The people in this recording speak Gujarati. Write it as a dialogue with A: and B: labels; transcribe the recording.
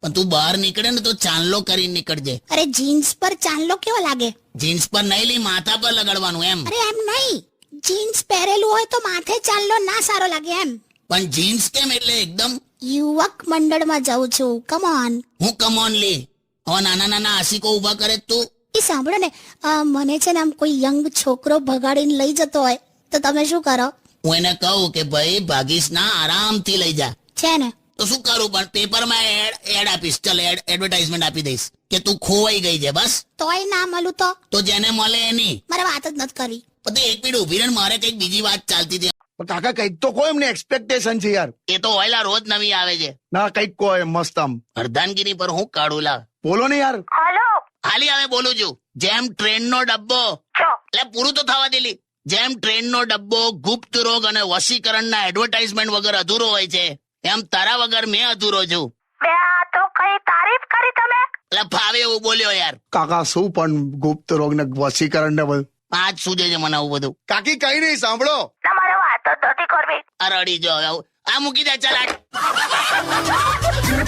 A: પણ તું બહાર નીકળે ને તો ચાંદલો કરીને નીકળજે.
B: અરે જીન્સ પર ચાંદલો કેવો લાગે?
A: જીન્સ પર નહીં લી, માથા પર લગાડવાનું એમ.
B: અરે એમ નહીં, જીન્સ પહેરેલું હોય તો માથે ચાંદલો ના સારો લાગે એમ.
A: પણ જીન્સ કેમ એટલે એકદમ?
B: યુવક મંડળમાં જાઉં છું, કમ ઓન.
A: હું કમોન લી, હવે નાના નાના આશિકો ઉભા કરે તું.
B: એ સાંભળો ને, મને છે ને આમ કોઈ યંગ છોકરો ભગાડીને લઈ જતો હોય તો તમે શું કરો?
A: હું એને કહું કે ભાઈ ભાગીશ ના, આરામથી લઈ જા.
B: છે ને
A: તો શું કરું? પણ પેપરમાં એડ આપીશ, ચલ એડવર્ટાઇઝમેન્ટ આપી દઈશ કે તું ખોવાઈ ગઈ છે. બસ
B: તોય ના મળું તો
A: જેને મળે એની.
B: મારે વાત જ નથી કરી.
A: પછી એક મિનિટ ઉભી રહે, મારે કઈક બીજી વાત ચાલતી હતી.
C: પણ કાકા કઈક તો કોઈ એમને એક્સપેક્ટેશન છે યાર.
A: એ તો હોયલા રોજ નવી આવે છે.
C: ના કઈક કોઈ મસ્ત આમ
A: અર્ધાંગીની પર હું કાઢું લા.
C: બોલો ને યાર.
A: હાલી હવે બોલું છું. જેમ ટ્રેનનો ડબ્બો, એટલે પૂરું તો થવા દેલી. જેમ ટ્રેનનો ડબ્બો ગુપ્ત રોગ અને વશીકરણના એડવર્ટાઇઝમેન્ટ વગર અધૂરો હોય છે, એમ તારા વગર મેં અધૂરો છું.
D: તો કઈ તારીફ કરી તમે?
A: એટલે ફાવે એવું બોલ્યો યાર.
C: કાકા શું પણ ગુપ્ત રોગ ને વશીકરણ ને બધું
A: આજ સૂજે છે મને આવું બધું.
C: કાકી કઈ નહીં સાંભળો.
D: તમારે વાત જ નથી કરવી.
A: આ રડી જો આ મૂકી દે, ચાલ.